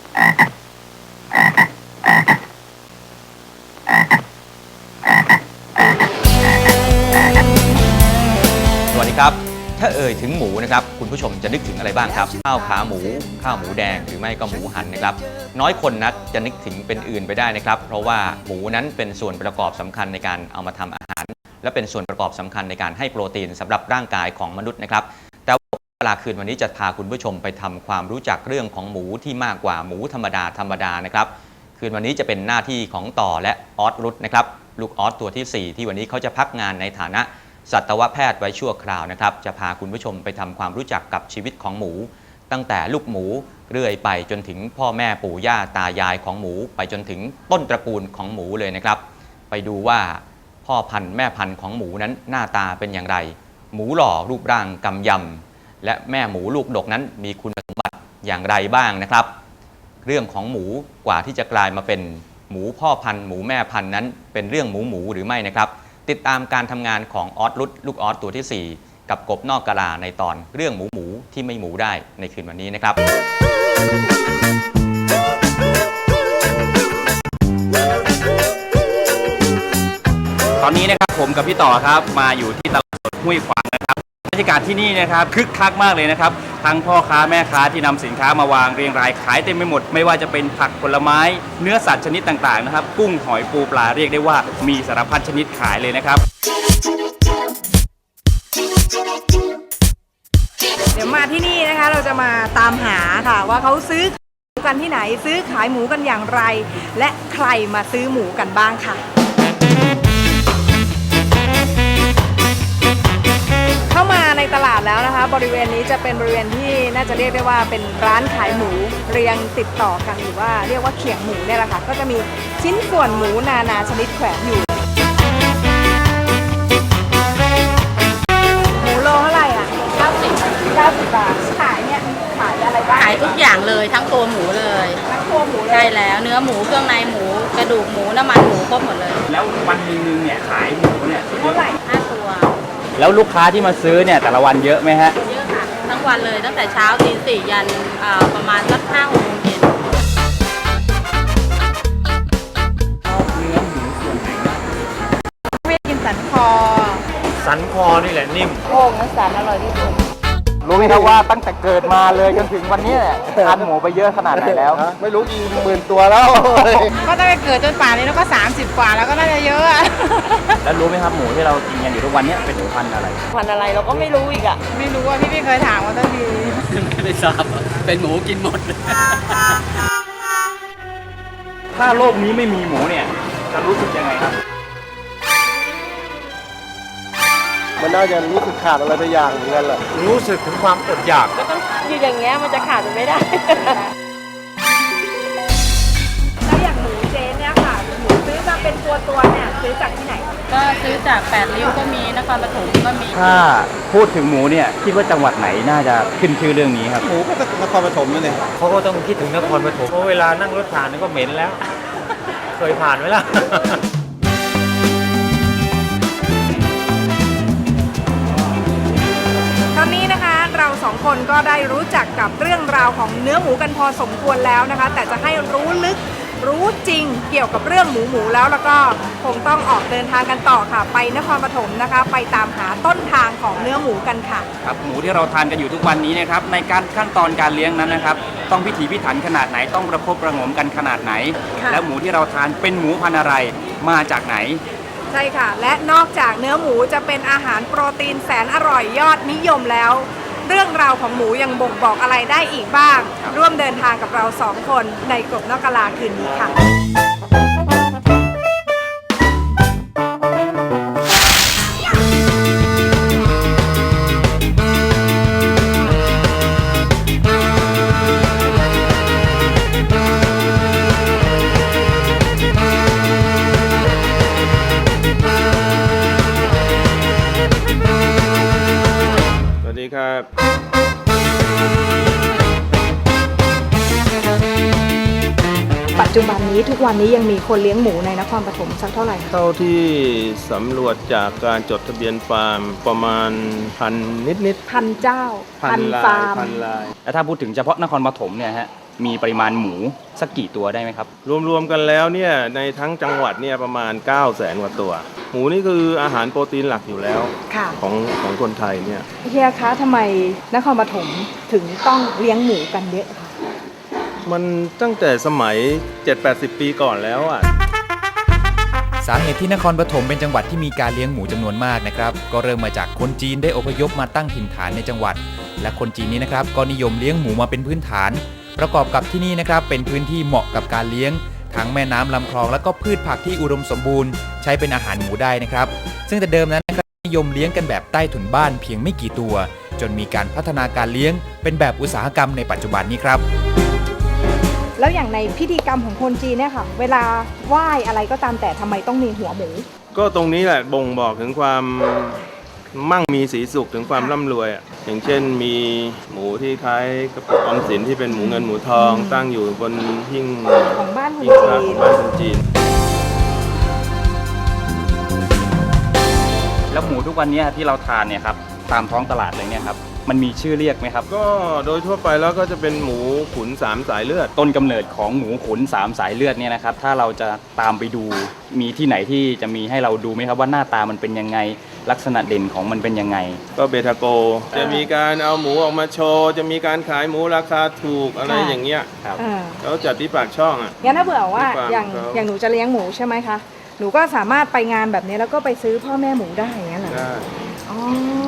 สวัสดีครับถ้าเอ่ยถึงหมูนะครับคุณผู้ชมจะนึกถึงอะไรบ้างครับข้าวขาหมูข้าวหมูแดงหรือไม่ก็หมูหันนะครับน้อยคนนักจะนึกถึงเป็นอื่นไปได้นะครับเพราะว่าหมูนั้นเป็นส่วนประกอบสำคัญในการเอามาทำอาหารและเป็นส่วนประกอบสำคัญในการให้โปรตีนสำหรับร่างกายของมนุษย์นะครับแต่เวลาคืนวันนี้จะพาคุณผู้ชมไปทำความรู้จักเรื่องของหมูที่มากกว่าหมูธรรมดานะครับคืนวันนี้จะเป็นหน้าที่ของต่อและออสรุตนะครับลูกออสตัวที่4ที่วันนี้เขาจะพักงานในฐานะสัตวแพทย์ไว้ชั่วคราวนะครับจะพาคุณผู้ชมไปทำความรู้จักกับชีวิตของหมูตั้งแต่ลูกหมูเรื่อยไปจนถึงพ่อแม่ปู่ย่าตายายของหมูไปจนถึงต้นตระกูลของหมูเลยนะครับไปดูว่าพ่อพันธุ์แม่พันธุ์ของหมูนั้นหน้าตาเป็นอย่างไรหมูหล่อรูปร่างกำยำและแม่หมูลูกดกนั้นมีคุณสมบัติอย่างไรบ้างนะครับเรื่องของหมูกว่าที่จะกลายมาเป็นหมูพ่อพันธุ์หมูแม่พันธุ์นั้นเป็นเรื่องหมูหรือไม่นะครับติดตามการทำงานของออสรุตลูกออสตัวที่4กับกบนอกกะลาในตอนเรื่องหมูที่ไม่หมูได้ในคืนวันนี้นะครับตอนนี้นะครับผมกับพี่ต่อครับมาอยู่ที่ตลาดสดห้วยขวางนะครับบรรยากาศที่นี่นะครับคึกคักมากเลยนะครับทั้งพ่อค้าแม่ค้าที่นำสินค้ามาวางเรียงรายขายเต็มไปหมดไม่ว่าจะเป็นผักผลไม้เนื้อสัตว์ชนิดต่างๆนะครับกุ้งหอยปูปลาเรียกได้ว่ามีสารพัดชนิดขายเลยนะครับเดี๋ยวมาที่นี่นะคะเราจะมาตามหาค่ะว่าเขาซื้อกันที่ไหนซื้อขายหมูกันอย่างไร และใครมาซื้อหมูกันบ้างค่ะเข้ามาในตลาดแล้วนะคะบริเวณนี้จะเป็นบริเวณที่น่าจะเรียกได้ว่าเป็นร้านขายหมูเรียงติดต่อกันหรือว่าเรียกว่าเขียงหมูเนี่ยแหละค่ะก็จะมีชิ้นส่วนหมูนานาชนิดแขวนอยู่หมูโลเท่าไหร่อ่ะ90 บาทขายเนี่ยขายอะไรบ้างขายทุกอย่างเลยทั้งตัวหมูเลยทั้งตัวหมูเลยใช่แล้วเนื้อหมูเครื่องในหมูกระดูกหมูน้ำมันหมูครบหมดเลยแล้ววันนึงเนี่ยขายหมูเนี่ยเท่าไหร่ 5 ตัวแล้วลูกค้าที่มาซื้อเนี่ยแต่ละวันเยอะไหมฮะเยอะค่ะทั้งวันเลยตั้งแต่เช้าตี 4ยันประมาณสัก5-6 โมงเย็นเนื้อหมูส่วนไหนไม่กินสันคอนี่แหละนิ่มโอ่งนั้นสันอร่อยที่สุดรู้ไหมครับว่าตั้งแต่เกิดมาเลยจนถึงวันนี้เนี่ยทานหมูไปเยอะขนาดไหนแล้วไม่รู้กี่หมื่นตัวแล้วก็ตั้งแต่เกิดจนป่านนี้แล้วก็30 กว่าแล้วก็น่าจะเยอะแล้วรู้ไหมครับหมูที่เรากินกันอยู่ทุกวันนี้เป็นหมูพันธุ์อะไรเราก็ไม่รู้อีกอ่ะไม่รู้ว่าพี่ไม่เคยถามว่าตั้งทีไม่ทราบเป็นหมูกินหมดถ้าโลกนี้ไม่มีหมูเนี่ยจะรู้สึกยังไงครับมันน่าจะรู้สึกขาดอะไรไปอย่างเหมือนกันแหละรู้สึกถึงความอดอยากก็ต้องอยู่อย่างเงี้ยมันจะขาดไม่ได้แล้วอย่างหมูเจ๊เนี่ยค่ะหมูซื้อมาเป็นตัวเนี่ยซื้อจากที่ไหนก็ซื้อจาก8 ริ้วก็มีนครปฐมก็มีถ้าพูดถึงหมูเนี่ยคิดว่าจังหวัดไหนน่าจะขึ้นชื่อเรื่องนี้ครับหมูก็นครปฐมนั่นเองเขาก็ต้องคิดถึงนครปฐมเพราะเวลานั่งรถผ่านก็เหม็นแล้วเคยผ่านไหมล่ะตอนนี้นะคะเรา2 คนก็ได้รู้จักกับเรื่องราวของเนื้อหมูกันพอสมควรแล้วนะคะแต่จะให้รู้ลึกรู้จริงเกี่ยวกับเรื่องหมูแล้วก็คงต้องออกเดินทางกันต่อค่ะไปนครปฐมนะคะไปตามหาต้นทางของเนื้อหมูกันค่ะครับหมูที่เราทานกันอยู่ทุกวันนี้นะครับในการขั้นตอนการเลี้ยงนั้นนะครับต้องพิถีพิถันขนาดไหนต้องประคบประหงมกันขนาดไหนแล้วหมูที่เราทานเป็นหมูพันธุ์อะไรมาจากไหนใช่ค่ะและนอกจากเนื้อหมูจะเป็นอาหารโปรตีนแสนอร่อยยอดนิยมแล้วเรื่องราวของหมูยังบ่งบอกอะไรได้อีกบ้างร่วมเดินทางกับเรา2 คนในกบนอกกะลาคืนนี้ค่ะครับปัจจุบันนี้ทุกวันนี้ยังมีคนเลี้ยงหมูในนครปฐมสักเท่าไหร่เท่าที่สำรวจจากการจดทะเบียนฟาร์มประมาณ1,000 นิดพันเจ้าพันฟาร์มพันลายแล้วถ้าพูดถึงเฉพาะนครปฐมเนี่ยฮะมีปริมาณหมูสักกี่ตัวได้ไหมครับรวมๆกันแล้วเนี่ยในทั้งจังหวัดเนี่ยประมาณ 900,000 กว่าตัว หมูนี่คืออาหารโปรตีนหลักอยู่แล้วค่ะของคนไทยเนี่ยเฮียคะทำไมนครปฐมถึงต้องเลี้ยงหมูกันเยอะคะมันตั้งแต่สมัย 70-80 ปีก่อนแล้วอ่ะสาเหตุที่นครปฐมเป็นจังหวัดที่มีการเลี้ยงหมูจำนวนมากนะครับก็เริ่มมาจากคนจีนได้อพยพมาตั้งถิ่นฐานในจังหวัด และคนจีนนี้นะครับก็นิยมเลี้ยงหมูมาเป็นพื้นฐาน ประกอบกับที่นี่นะครับเป็นพื้นที่เหมาะกับการเลี้ยงทั้งแม่น้ำลำคลองและก็พืชผักที่อุดมสมบูรณ์ใช้เป็นอาหารหมูได้นะครับซึ่งแต่เดิมนั้นนะครับนิยมเลี้ยงกันแบบใต้ถุนบ้านเพียงไม่กี่ตัว จนมีการพัฒนาการเลี้ยงเป็นแบบอุตสาหกรรมในปัจจุบันนี้ครับแล้วอย่างในพิธีกรรมของคนจีนเนี่ยค่ะ เวลาไหว้อะไรก็ตามแต่ทำไมต้องมีหัวหมูก็ตรงนี้แหละบ่งบอกถึงความมั่งมีสีสุขถึงความร่ำรวยอ่ะอย่างเช่นมีหมูที่คล้ายกระปุกออมสินที่เป็นหมูเงินหมูทองตั้งอยู่บนหิ้งของบ้านคนหิ้งพระจีขอน งบ้านคนจีนแล้วหมูทุกวันนี้ที่เราทานเนี่ยครับตามท้องตลาดเลยเนี่ยครับมันมีชื่อเรียกไหมครับก็โดยทั่วไปแล้วก็จะเป็นหมูขุน3 สายเลือดต้นกำเนิดของหมูขุน3 สายเลือดเนี่ยนะครับถ้าเราจะตามไปดูมีที่ไหนที่จะมีให้เราดูไหมครับว่าหน้าตามันเป็นยังไงลักษณะเด่นของมันเป็นยังไงก็เบทาโก จะมีการเอาหมูออกมาโชว์ จะมีการขายหมูราคาถูกอะไรอย่างเงี้ยครับแล้วจัดที่ปากช่องอ่ะงั้นถ้าเผื่อว่าที่ฟาร์มอย่างเขาอย่างหนูจะเลี้ยงหมูใช่ไหมคะ หนูก็สามารถไปงานแบบนี้แล้วก็ไปซื้อพ่อแม่หมูได้อย่างนั้นเหรอได้อ๋อ